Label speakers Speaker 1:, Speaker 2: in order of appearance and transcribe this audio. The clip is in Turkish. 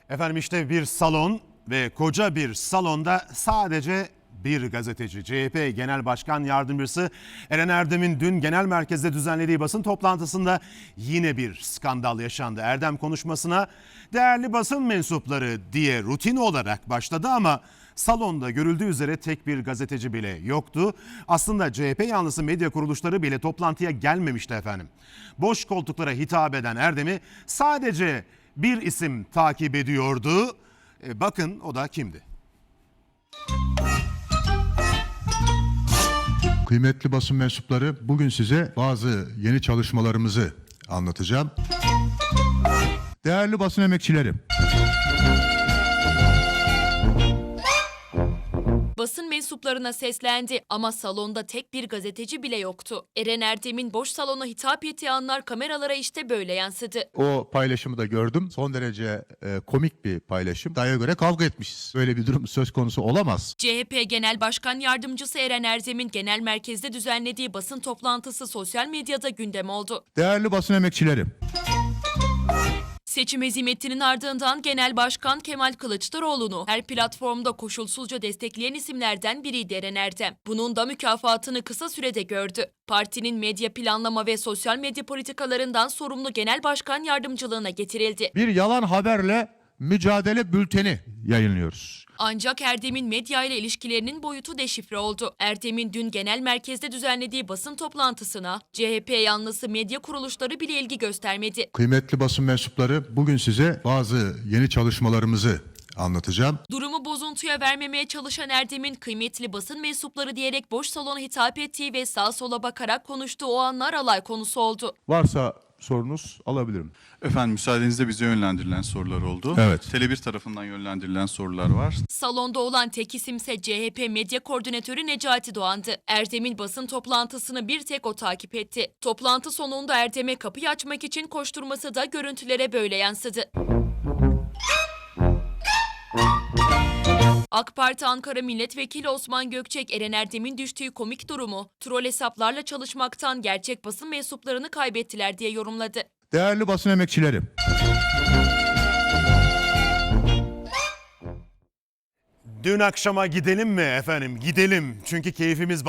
Speaker 1: Efendim işte bir salon ve koca bir salonda sadece bir gazeteci. CHP Genel Başkan Yardımcısı Eren Erdem'in dün genel merkezde düzenlediği basın toplantısında yine bir skandal yaşandı. Erdem konuşmasına değerli basın mensupları diye rutin olarak başladı ama salonda görüldüğü üzere tek bir gazeteci bile yoktu. Aslında CHP yanlısı medya kuruluşları bile toplantıya gelmemişti efendim. Boş koltuklara hitap eden Erdem'i sadece bir isim takip ediyordu. Bakın o da kimdi?
Speaker 2: Kıymetli basın mensupları, bugün size bazı yeni çalışmalarımızı anlatacağım. Değerli basın emekçileri,
Speaker 3: basın mensuplarına seslendi ama salonda tek bir gazeteci bile yoktu. Eren Erdem'in boş salona hitap ettiği anlar kameralara işte böyle yansıdı.
Speaker 2: o paylaşımı da gördüm. Son derece komik bir paylaşım. İddiaya göre kavga etmişiz. Böyle bir durum söz konusu olamaz.
Speaker 3: CHP Genel Başkan Yardımcısı Eren Erdem'in genel merkezde düzenlediği basın toplantısı sosyal medyada gündem oldu.
Speaker 2: Değerli basın emekçileri,
Speaker 3: Seçim hezimetinin ardından Genel Başkan Kemal Kılıçdaroğlu'nu her platformda koşulsuzca destekleyen isimlerden biriydi Eren Erdem. Bunun da mükafatını kısa sürede gördü. Partinin medya planlama ve sosyal medya politikalarından sorumlu Genel Başkan Yardımcılığına getirildi.
Speaker 2: bir yalan haberle mücadele bülteni yayınlıyoruz.
Speaker 3: Ancak Erdem'in medya ile ilişkilerinin boyutu deşifre oldu. Erdem'in dün genel merkezde düzenlediği basın toplantısına CHP yanlısı medya kuruluşları bile ilgi göstermedi.
Speaker 2: Kıymetli basın mensupları, bugün size bazı yeni çalışmalarımızı anlatacağım.
Speaker 3: Durumu bozuntuya vermemeye çalışan Erdem'in kıymetli basın mensupları diyerek boş salona hitap ettiği ve sağa sola bakarak konuştuğu o anlar alay konusu oldu.
Speaker 2: Varsa sorunuz alabilirim.
Speaker 4: Efendim müsaadenizle bize yönlendirilen sorular oldu.
Speaker 2: Evet.
Speaker 4: Tele1 tarafından yönlendirilen sorular var.
Speaker 3: Salonda olan tek isimse CHP Medya Koordinatörü Necati Doğan'dı. Erdem'in basın toplantısını bir tek o takip etti. Toplantı sonunda Erdem'e kapıyı açmak için koşturması da görüntülere böyle yansıdı. AK Parti Ankara Milletvekili Osman Gökçek, Eren Erdem'in düştüğü komik durumu troll hesaplarla çalışmaktan gerçek basın mensuplarını kaybettiler diye yorumladı.
Speaker 2: Değerli basın emekçileri,
Speaker 1: Dün akşama gidelim mi efendim? Gidelim çünkü keyfimiz